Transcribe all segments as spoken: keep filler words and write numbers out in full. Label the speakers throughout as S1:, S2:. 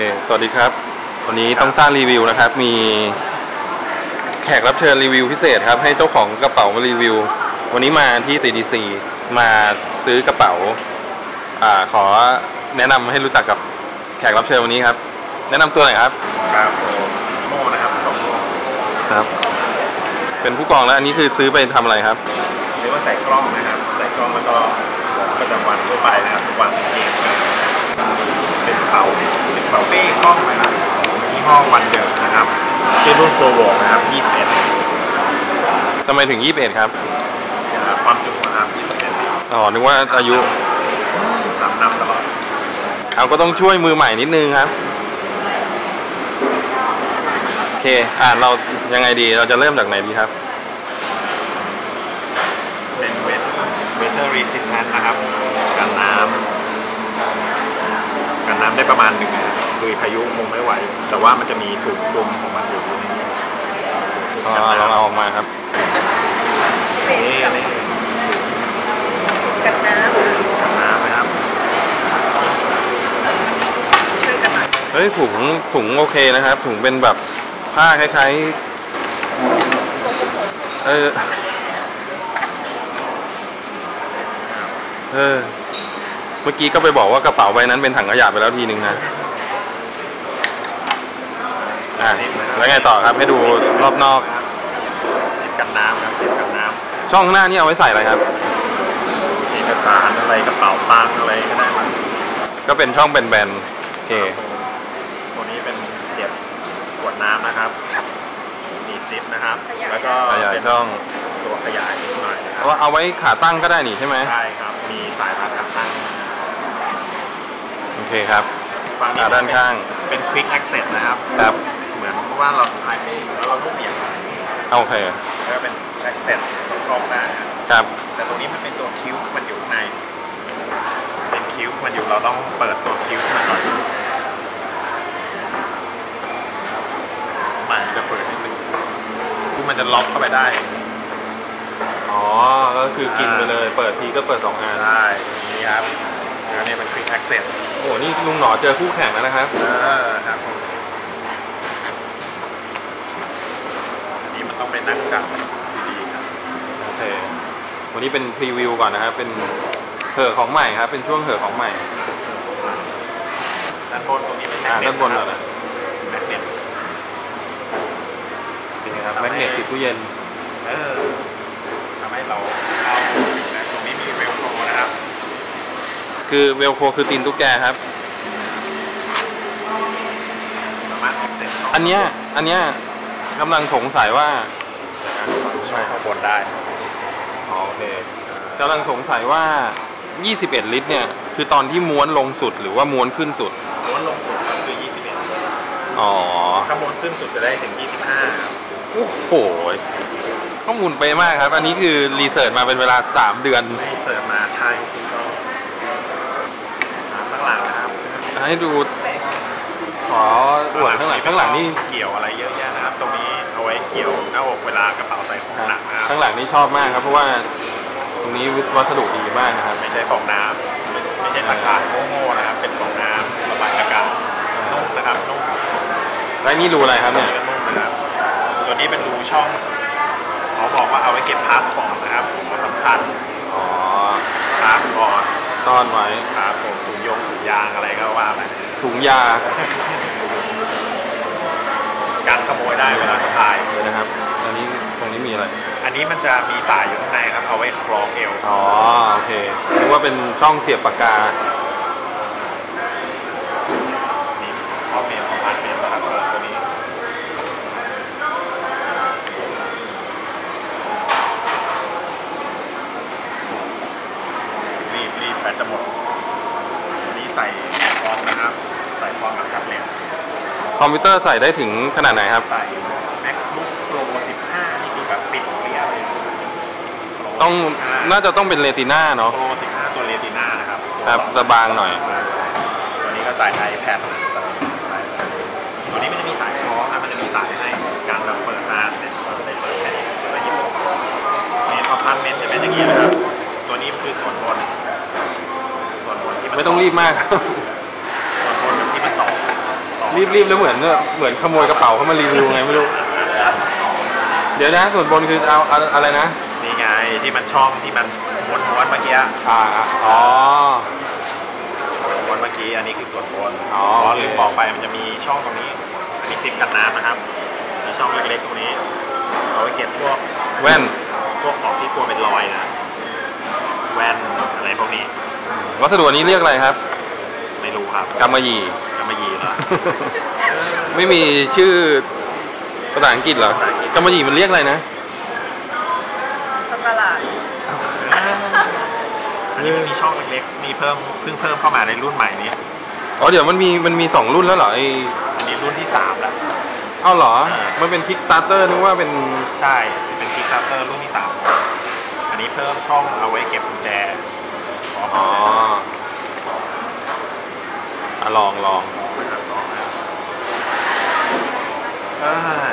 S1: เคสวัสดีครับวันนี้ต้องสร้างรีวิวนะครับมีแขกรับเชิญรีวิวพิเศษครับให้เจ้าของกระเป๋ามารีวิววันนี้มาที่ ซี ดี ซี มาซื้อกระเป๋าอ่าขอแนะนำให้รู้จักกับแขกรับเชิญวันนี้ครับแนะนำตัวหน่อยครับ
S2: ครับโม่นะครับของโม่
S1: ครับเป็นผู้กองแล้วอันนี้คือซื้อไปทำอะไรครับ
S2: ซื้อมาใส่กล้องนะครับใส่กล้องแล้วก็ของประจำวันทั่วไปนะครับทุกวันเกมเป็นกระเป๋าเป็นกระเป๋าเป้กล้องนะครับของยี่ห้อวันเดิมนะครับชื่อรุ่นโปรโวนะครับยี่สิบเอ็ด
S1: ทำไมถึงยี่สิบเอ็ดครับ
S2: ความจุนะครับยี่สิบเอ็ด
S1: อ๋อนึกว่าอายุ
S2: นำนำตลอด
S1: เอาก็ต้องช่วยมือใหม่นิดนึงครับโอเคอ่าเรายังไงดีเราจะเริ่มจากไหนดีครับ
S2: เป็นเวทเวทเทอร์รีสิสแทนนะครับกันน้ำกันน้ำได้ประมาณหนึ่งนะคือพายุคงไม่ไหวแต่ว่ามันจะมีถุงคลุมของมันอยู่ในนี้
S1: อ๋อลองเอาออกมาครับ
S2: นี่อันนี้
S3: กันน้ำ
S2: กันน้ำนะครับ
S1: เฮ้ยถุงถุงโอเคนะครับถุงเป็นแบบผ้าคล้ายๆเออเออเมื่อกี้ก็ไปบอกว่ากระเป๋าใบนั้นเป็นถังขยะไปแล้วทีนึงนะอ่ะแล้วไงต่อครับให้ดูรอบนอก
S2: สิบกันน้ำครับสิบกันน้
S1: ำช่องหน้านี่เอาไว้ใส่อะไรครับ
S2: เอกสารอะไรกระเป๋าตังอะไรก็ได้ครับ
S1: ก็เป็นช่องแบนๆโอเค
S2: ตัวนี้เป็นเก็บขวดน้ำนะครับมีซิปนะครับแล้วก็
S1: ขยายช่อง
S2: ตัวขยายนิดหน่อยนะครับ
S1: ว่าเอาไว้ขาตั้งก็ได้นี่ใช่ไหม
S2: ใช่ครับมีสายรัดขาตั้ง
S1: โอเคครับขาด้านข้าง
S2: เป็น Quick Access นะครับ
S1: ครับ
S2: เหมือนว่าเราสไลด์ไม่แล้วเราลูกเบี่ยง
S1: โอเค
S2: แล้วเป็น Access กล้องได้
S1: ครับ
S2: แต่ตรงนี้มันเป็นตัวคิ้วมันอยู่ในเป็นคิ้วมันอยู่เราต้องเปิดตัวคิ้วมันก่อนมันจะเปิดนิดนึงคือมันจะล็อกเข้าไปได้
S1: อ๋อก็คือกินไปเลยเปิดทีก็เปิดสองอัน
S2: ได้นี่ครับแล้วนี่เป็น Quick Access
S1: โอ้นี่ลุงหนอเจอคู่แข่งแล้วนะครับ
S2: เออครับอันนี้มันต้องไปนั่งจับดีๆครับ
S1: โอเควันนี้เป็นพรีวิวก่อนนะครับเป็นเหอะของใหม่ครับเป็นช่วงเหอะของใหม่
S2: ด้านบนตรงนี้เป็น
S1: แมกเนตด้านบนเหรอ
S2: แมกเนต
S1: เป็นไงครับแมกเนตติดตู้เย็น
S2: เออทำให้เราเข้าตรงนี้มีเวลโครนะครับ
S1: คือเวลโครคือตีนตุ๊กแกครับอันเนี้ยอันเนี้ยกำลังสงสัยว่า
S2: ช่วยข้างบนได้
S1: อ๋อโอเคกำลังสงสัยว่ายี่สิบเอ็ดลิตรเนี่ยคือตอนที่ม้วนลงสุดหรือว่าม้วนขึ้นสุด
S2: ม้วนลงสุดก็คือยี่สิบเอ็ด
S1: อ๋อ
S2: ถ้าม้วนขึ้นสุดจะได้ถึงยี่สิบห้า
S1: โอ้โหข้อมูลไปมากครับอันนี้คือรีเสิร์ชมาเป็นเวลาสามเดือน
S2: รีเสิร์ชมาใช่ข้างหลังนะครับ
S1: ให้ดูขออวดข้างหลังข้างหลังนี่
S2: เกี่ยวอะไรเยอะแยะนะครับตรงนี้เอาไว้เกี่ยวหน้าอกเวลากระเป๋าใส่ของหนักนะครับ
S1: ข้างหลังนี่ชอบมากครับเพราะว่าตรงนี้วัสดุดีมากนะครับ
S2: ไม่ใช่ฟองน้ำไม่ใช่ตะข่ายโง่ๆนะครับเป็นฟองน้ำระบายอากาศนุ่มนะครับนุ่ม
S1: และนี่รูอะไรครับเนี่ย
S2: นุ่มนะครับตัวนี้เป็นรูช่องเขาบอกว่าเอาไว้เก็บพาสปอร์ตนะครับสำคัญ
S1: อ๋อ
S2: พาสปอร์ต
S1: ต้อนไว้
S2: ครับผมถุงยงถุงยางอะไรก็ว่าไป
S1: ถุงยา
S2: การขโมยได้เวลาสะพาย
S1: เลยนะครับอันนี้ตรงนี้มีอะไร
S2: อันนี้มันจะมีสายอยู่ข้างในครับเอาไว้คล้องเอว
S1: อ๋อโอเคนึกว่าเป็นช่องเสียบปากกา
S2: นี่ข้อเมลของอันเมลนะครับตัวนี้รีบรีบแบตจะหมดอันนี้ใส่คล้องนะครับใส่คล้องกับแท็บเล็ต
S1: คอมพิวเตอร์ใส่ได้ถึงขนาดไหนครับ
S2: ใส่ MacBook Pro สิบห้านี่คือแบบปิดเรียบเลย
S1: ต้องน่าจะต้องเป็นเรติน่าเนาะ
S2: Pro สิบห้าตัวเรติน่านะครับ
S1: ครับจะบางหน่อย
S2: ตัวนี้ก็ใส่ iPad ตัวนี้มันจะมีสายคล้องนะมันจะมีสายให้การแบบเปิดมาเนี่ยเราจะได้เปิดแค่นี้แล้วหยิบนี่พอพันเมนจะเป็นอย่างนี้นะครับตัวนี้คือส่วนบนส่วนบนที่
S1: ไม่ต้องรีบมาก
S2: ส่วนบนที่มันต่อ
S1: รีบๆแล้วเหมือนเหมือนขโมยกระเป๋าเขามารีวิวไงไม่รู้เดี๋ยวนะส่วนบนคือเอาอะไรนะ
S2: นี่ไงที่มันช่องที่มันม้วนๆเมื่อกี้
S1: อ่าอ๋อ
S2: ม้วนเมื่อกี้อันนี้คือส่วนบนอ๋อลืมบอกไปมันจะมีช่องตรงนี้อันนี้ซิปกันน้ำนะครับมีช่องเล็กๆตรงนี้เอาไว้เก็บพวก
S1: แว่น
S2: พวกของที่กลัวเป็นรอยนะแว่นอะไรพวกนี้
S1: วัสดุนี้เรียกอะไรครับ
S2: ไม่รู้ครับ
S1: กำมะหยี่
S2: กำมะหยี่เหรอ
S1: ไม่มีชื่อภาษาอังกฤษเหรอกำมะหยี่มันเรียกอะไรนะ
S3: ตลาด
S2: อันนี้มันมีช่องเล็กๆมีเพิ่มเพิ่งเพิ่มเข้ามาในรุ่นใหม่นี้
S1: อ๋อเดี๋ยวมันมีมันมีสองรุ่นแล้วเหรอไอ
S2: อันนี้รุ่นที่สามแล้ว
S1: เอ้าเหรอมันเป็นคิกสตาร์เตอร์นึกว่าเป็น
S2: ใช่เป็นคิกสตาร์เตอร์รุ่นที่สามอันนี้เพิ่มช่องเอาไว้เก็บกุญแจ
S1: อ๋ออ่ะลองลอง
S2: เออ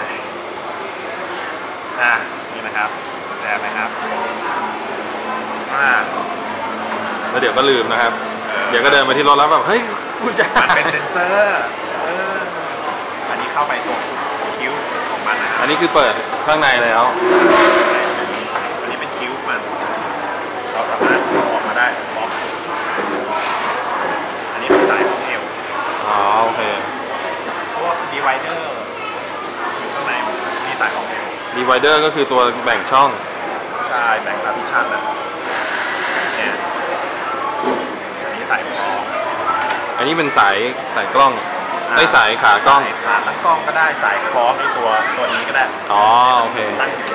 S2: อ่ะนี่นะครับกุญแจไหมครับอ่า
S1: แล้วเดี๋ยวก็ลืมนะครับเดี๋ยวก็เดินมาที่รถแล้วแบบเฮ้ยกุญแจ
S2: มันเป็นเซ็นเซอร์อันนี้เข้าไปตรงคิ้วของมันนะ
S1: อันนี้คือเปิดข้างในแล้ว
S2: อันนี้เป็นคิ้วมันเราสามารถออกมาได้ล็อกอันนี้เป็นสายของเอว
S1: อ๋อโอเค
S2: พวกดีไวเดอร์อยู่ข้างในมีสายของเอว
S1: ดีไวเดอร์ก็คือตัวแบ่งช่อง
S2: ใช่แบ่งพาร์ติชันนะเนี่ยอันนี้สายคล้อง
S1: อันนี้เป็นสายสายกล้องได้สายขากล้อง
S2: ขาตั้งกล้องก็ได้สายคล้องในตัวตัวนี้ก็ได้
S1: อ๋อโอเค
S2: ตั้งอยู่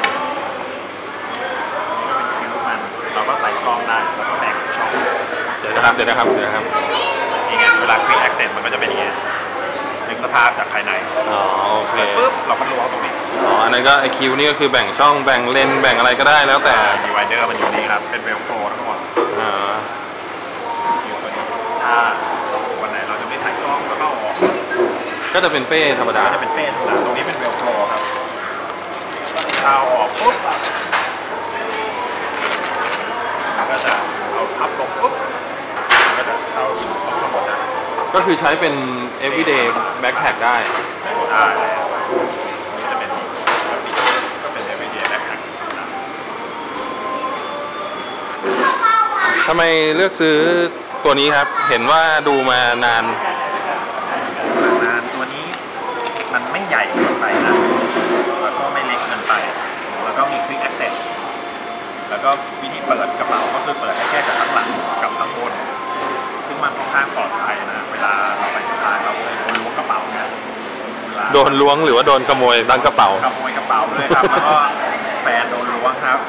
S2: นี่ก็เป็นคิ้วมันเราก็ใส่กล้องได้แล้วก็แบ่งช่อง
S1: เดี๋ยวนะครับเดี๋ยวนะครับเดี๋ยวนะครับ
S2: นี่ไงเวลาคลิกแอคเซสมันก็จะเป็นอย่างนี้นึกสภาพจากภายใน
S1: อ๋อโอเค
S2: ปุ๊บเราก็ล้วงตรงนี้
S1: อ๋ออันนั้นก็ไอคิวนี่ก็คือแบ่งช่องแบ่งเลนแบ่งอะไรก็ได้แล้วแต่
S2: ดีไวเดอร์มันอยู่นี่ครับเป็นเวลโฟร์ทั้งหมด
S1: อ่า
S2: อยู่ตัวนี้ถ้าวันไหนเราจะไม่ใส่กล้องแล้วก็ออก
S1: ก็จะเป็นเป้ธรรมดา
S2: จะเป็นเป้ธรรมดาตรงนี้เป็นเวลโฟร์ครับเอาออกปุ๊บมันก็จะเอาพับลงปุ๊บมันก็จะเข้าทั้งหมดนะ
S1: ก็คือใช้เป็น everyday backpack ได้
S2: ใช่นี่จะเป็นก็เป็น everyday backpack
S1: ทำไมเลือกซื้อตัวนี้ครับเห็นว่าดูมานาน
S2: นานตัวนี้มันไม่ใหญ่เกินไปนะแล้วก็ไม่เล็กเกินไปแล้วก็มี quick access แล้วก็วิธีเปิดกระเป๋าก็คือเปิดได้แค่จากข้างหลังกับข้างบนซึ่งมันค่อนข้างปลอดภัยนะเวลาเราไปสะพายเราเคยโดนล้วงกระเป๋านะ
S1: โดนล้วงหรือว่าโดนขโมยตั้งกระเป๋า
S2: ขโมยกระเป๋าด้วยครับแล้วก็แฟนโดนล้วงครับ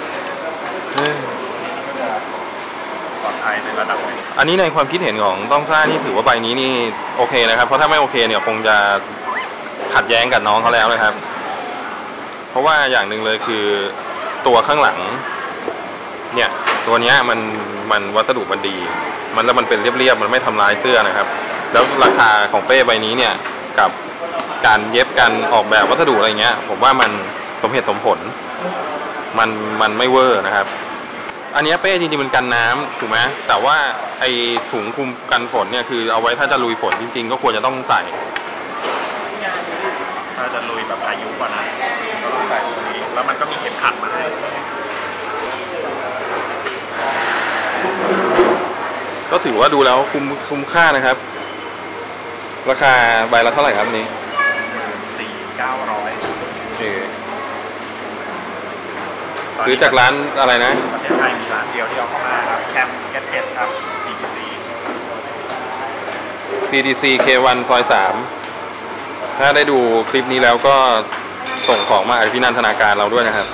S2: ปลอดภัยในระดับนึง
S1: อันนี้ในความคิดเห็นของต้องซ่านี่ถือว่าใบนี้นี่โอเคนะครับเพราะถ้าไม่โอเคเนี่ยคงจะขัดแย้งกับน้องเขาแล้วนะครับเพราะว่าอย่างหนึ่งเลยคือตัวข้างหลังเนี่ยตัวนี้มันมันวัสดุมันดีมันแล้วมันเป็นเรียบๆมันไม่ทำลายเสื้อนะครับแล้วราคาของเป้ใบนี้เนี่ยกับการเย็บการออกแบบวัสดุอะไรเงี้ยผมว่ามันสมเหตุสมผลมันมันไม่เวอร์นะครับอันนี้เป้จริงๆมันกันน้ำถูกไหมแต่ว่าไอถุงคลุมกันฝนเนี่ยคือเอาไว้ถ้าจะลุยฝนจริงๆก็ควรจะต้องใส่
S2: ถ้าจะลุยแบบอายุกว่านั้นก็ต้องใส่ตัวนี้แล้วมันก็มีเข็มขัดมาให้
S1: ก็ถือว่าดูแล้วคุ้มคุ้มค่านะครับราคาใบละเท่าไหร่ครับนี้
S2: สี่เก้าร้อย
S1: ซื้อจากร้านอะไรนะ
S2: ประเทศไทยมีร้านเดียวที่เอาเข้ามาครับแคมแกเจ็ตครับ ซี ดี ซี
S1: ซี ดี ซี เค วัน ซอยสามถ้าได้ดูคลิปนี้แล้วก็ส่งของมาอภินันทนาการเราด้วยนะครับ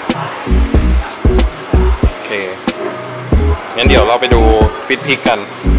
S1: โอเคงั้นเดี๋ยวเราไปดูฟิตพิกกัน